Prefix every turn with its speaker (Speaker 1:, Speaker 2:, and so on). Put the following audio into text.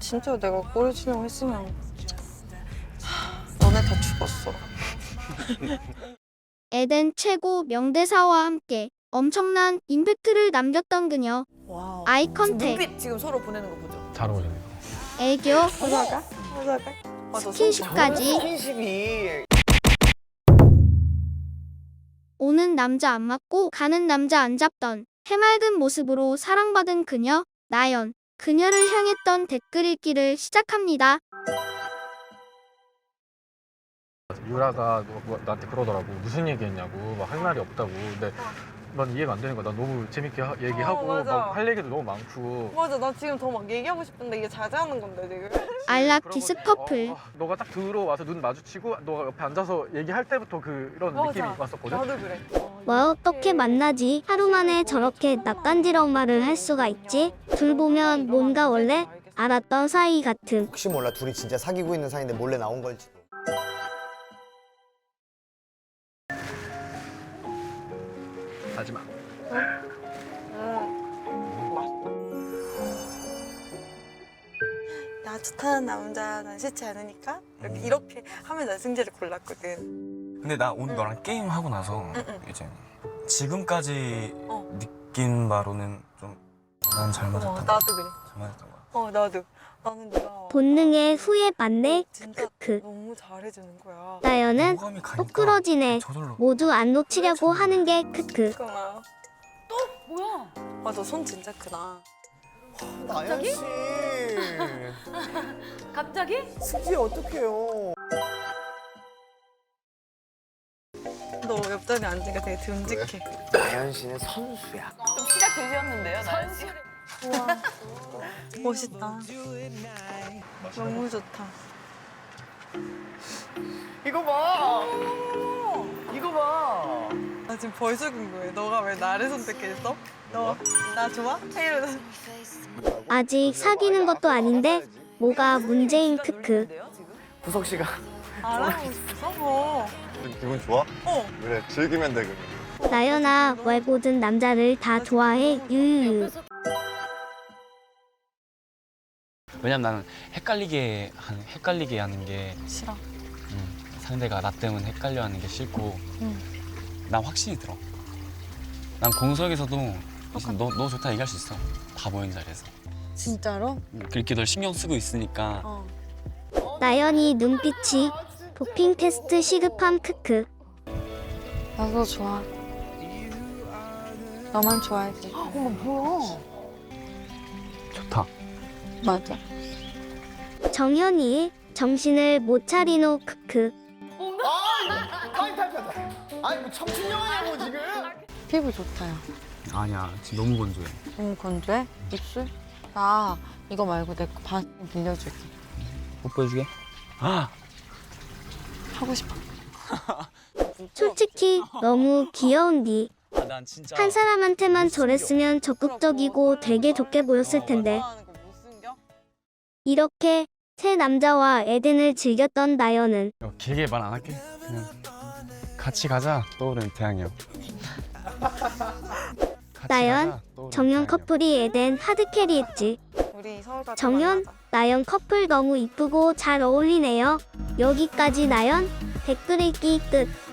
Speaker 1: 진짜 내가 꼬리치려고 했으면 너네 다 죽었어.
Speaker 2: 에덴 최고 명대사와 함께 엄청난 임팩트를 남겼던 그녀.
Speaker 1: 와우.
Speaker 2: 아이
Speaker 1: 지금
Speaker 2: 컨택,
Speaker 1: 눈빛 지금 서로 보내는 거 보죠?
Speaker 3: 잘 어울리네요.
Speaker 2: 애교,
Speaker 1: 여자가?
Speaker 2: 스킨십까지.
Speaker 4: 스킨십이
Speaker 2: 오는 남자 안 맞고 가는 남자 안 잡던 해맑은 모습으로 사랑받은 그녀, 나연. 그녀를 향했던 댓글 읽기를 시작합니다.
Speaker 3: 유라가 나한테 그러더라고. 무슨 얘기했냐고. 막 할 말이 없다고. 근데 난 이해가 안 되는 거야. 난 너무 재밌게 얘기하고
Speaker 1: 맞아.
Speaker 3: 막 할 얘기도 너무 많고.
Speaker 1: 맞아, 나 지금 더 막 얘기하고 싶은데 이게 자제하는 건데 지금.
Speaker 2: 알라키스 커플.
Speaker 3: 너가 딱 들어와서 눈 마주치고 너가 옆에 앉아서 얘기할 때부터 그런 느낌이 왔었거든.
Speaker 1: 나도 그래.
Speaker 2: 와 어떻게 만나지? 하루 만에 저렇게 낯간지러운 말을 할 수가 있지? 둘 보면 뭔가 원래 알았던 사이 같음.
Speaker 4: 혹시 몰라 둘이 진짜 사귀고 있는 사이인데 몰래 나온 걸지도.
Speaker 3: 하지 마.
Speaker 1: 나 좋다는 남자 난 싫지 않으니까 이렇게 하면 난 승재를 골랐거든.
Speaker 5: 근데 나 오늘 너랑 게임 하고 나서 이제 지금까지
Speaker 1: 어.
Speaker 5: 느낀 바로는 좀 난 잘 맞았던 거.
Speaker 1: 나도 그래.
Speaker 5: 잘 맞았던 거야.
Speaker 1: 나도. 나는 네가
Speaker 2: 본능에 후회 맞네.
Speaker 1: 진짜
Speaker 2: 크크.
Speaker 1: 너무 잘해주는 거야.
Speaker 2: 나연은
Speaker 5: 호감이 가니까
Speaker 2: 똑부러지네.
Speaker 5: 저절로
Speaker 2: 모두 안 놓치려고 하는 게 크크.
Speaker 1: 그나. 또 뭐야? 맞아, 손 진짜 크다.
Speaker 4: 나연 씨.
Speaker 6: 갑자기?
Speaker 4: 승지 어떡해요.
Speaker 1: 너 옆자리에 앉으니까 되게 듬직해.
Speaker 4: 나연 씨는 선수야.
Speaker 6: 좀 시작되셨는데요, 나연 씨?
Speaker 1: 우와. 멋있다. 너무 좋다.
Speaker 4: 이거 봐. 이거 봐.
Speaker 1: 나 지금 벌써 궁금해. 너가 왜 나를 선택했어? 너 나 좋아? 이러면서.
Speaker 2: 아직 사귀는 것도 아닌데 뭐가 문제인 크크.
Speaker 4: 구석 씨가
Speaker 1: 알아보고 있어?
Speaker 7: 기분 좋아?
Speaker 1: 어.
Speaker 7: 그래, 즐기면 돼, 그러면.
Speaker 2: 나연아 왜 모든 남자를 다 좋아해? 유유유.
Speaker 8: 왜냐면 나는 헷갈리게 하는 게
Speaker 1: 싫어.
Speaker 8: 상대가 나 때문에 헷갈려하는 게 싫고 난 확신이 들어. 난 공석에서도 너 좋다 얘기할 수 있어. 다 모인 자리에서.
Speaker 1: 진짜로?
Speaker 8: 그렇게 널 신경 쓰고 있으니까
Speaker 1: 어.
Speaker 2: 나연이 눈빛이 도핑 테스트 시급함 크크.
Speaker 1: 나도 좋아. 너만 좋아해줘.
Speaker 8: 좋다.
Speaker 1: 맞아.
Speaker 2: 정현이 정신을 못 차리노 크크.
Speaker 4: 아니 뭐 청춘 영화냐고 지금.
Speaker 1: 피부 좋다요.
Speaker 8: 아니야 지금 너무 건조해.
Speaker 1: 너무 건조해? 입술? 나 이거 말고 내 거 반 빌려줄게.
Speaker 8: 뽀뽀해주게? 아!
Speaker 1: 하고 싶어.
Speaker 2: 솔직히 너무 귀여운디.
Speaker 8: 난 진짜
Speaker 2: 한 사람한테만 저랬으면 적극적이고 되게 좋게 보였을 텐데. 이렇게 새 남자와 에덴을 즐겼던 나연은
Speaker 8: 길게 말 안 할게. 그냥 같이 가자. 떠오르는 태양이요.
Speaker 2: 나연, 정연 커플이 에덴 하드캐리했지.
Speaker 1: 우리 서울 가서
Speaker 2: 정연,
Speaker 1: 만나자.
Speaker 2: 나연 커플 너무 이쁘고 잘 어울리네요. 여기까지 나연 댓글 읽기 끝.